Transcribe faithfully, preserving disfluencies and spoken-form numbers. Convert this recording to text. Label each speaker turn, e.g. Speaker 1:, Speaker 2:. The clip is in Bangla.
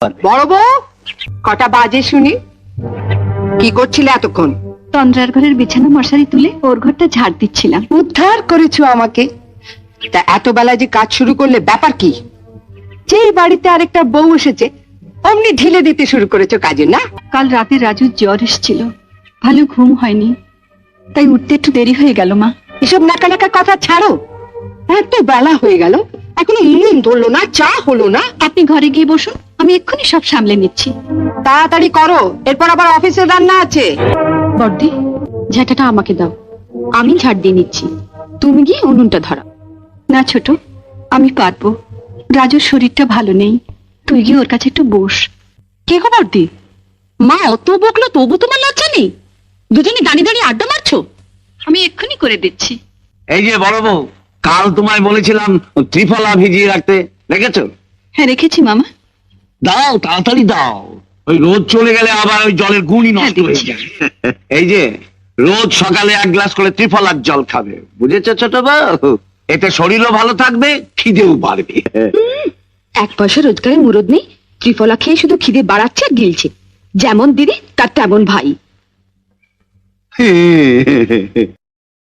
Speaker 1: বড় বউ, কটা বাজে শুনি? কি করছিলে এতক্ষণ?
Speaker 2: তন্দ্রার ঘরের বিছানা মশারি তুলে ওর ঘরটা ঝাড় দিচ্ছিলাম।
Speaker 1: উদ্ধার করেছো আমাকে। তা এত বেলা যে কাজ শুরু করলে, ব্যাপার কি? যেই বাড়িতে আরেকটা বউ এসেছে অমনি ঢিলে দিতে শুরু করেছো কাজে, না?
Speaker 2: কাল রাতে রাজুর জ্বর এসেছিল, ভালো ঘুম হয়নি, তাই উঠতে একটু দেরি হয়ে গেল মা।
Speaker 1: এসব নাকা নাকা কথা ছাড়ো। এত বেলা হয়ে গেল, এখনো নুন ধরলো না, চা হলো না।
Speaker 2: আপনি ঘরে গিয়ে বসুন, আমি এক্ষুনি সব সামলে নিচ্ছি।
Speaker 1: তাড়াতাড়ি করো, এরপর আবার অফিসে রান্না আছে।
Speaker 2: বড়দি, ঝাঁটাটা আমাকে দাও, আমি ঝাড় দিয়ে নিচ্ছি। তুমি গিয়ে উনুনটা ধরো। না ছোট, আমি পারবো। রাজুর শরীরটা ভালো নেই, তুই গিয়ে ওর কাছে একটু বস।
Speaker 1: কে গো বড়দি, মা অত বকলো তবু তোমার লজ্জা নেই? দুজনে দাঁড়িয়ে দাঁড়িয়ে আড্ডা মারছো।
Speaker 2: আমি এক্ষুনি করে দিচ্ছি।
Speaker 3: এই যে বড় বউ, কাল তোমায় বলেছিলাম ত্রিফলা ভিজিয়ে রাখতে, রেখেছো?
Speaker 2: হ্যাঁ রেখেছি মামা।
Speaker 3: দাও, তাড়াতাড়ি দাও, ওই রোদ চলে গেলে আবার ওই জলের গুণই নষ্ট
Speaker 2: হ্যাঁ,
Speaker 3: হয়ে
Speaker 2: দিচ্ছি।
Speaker 3: যায়। এই যে রোজ সকালে এক গ্লাস করে ত্রিফলার জল খাবে, বুঝেছো ছোট বউ? এতে শরীরও ভালো থাকবে, খিদেও বাড়বে।
Speaker 1: এক পয়সা রোজগারের মুরদ নেই, ত্রিফলা খেয়ে শুধু খিদে বাড়াচ্ছে আর গিলছে। যেমন দিদি তার তেমন ভাই।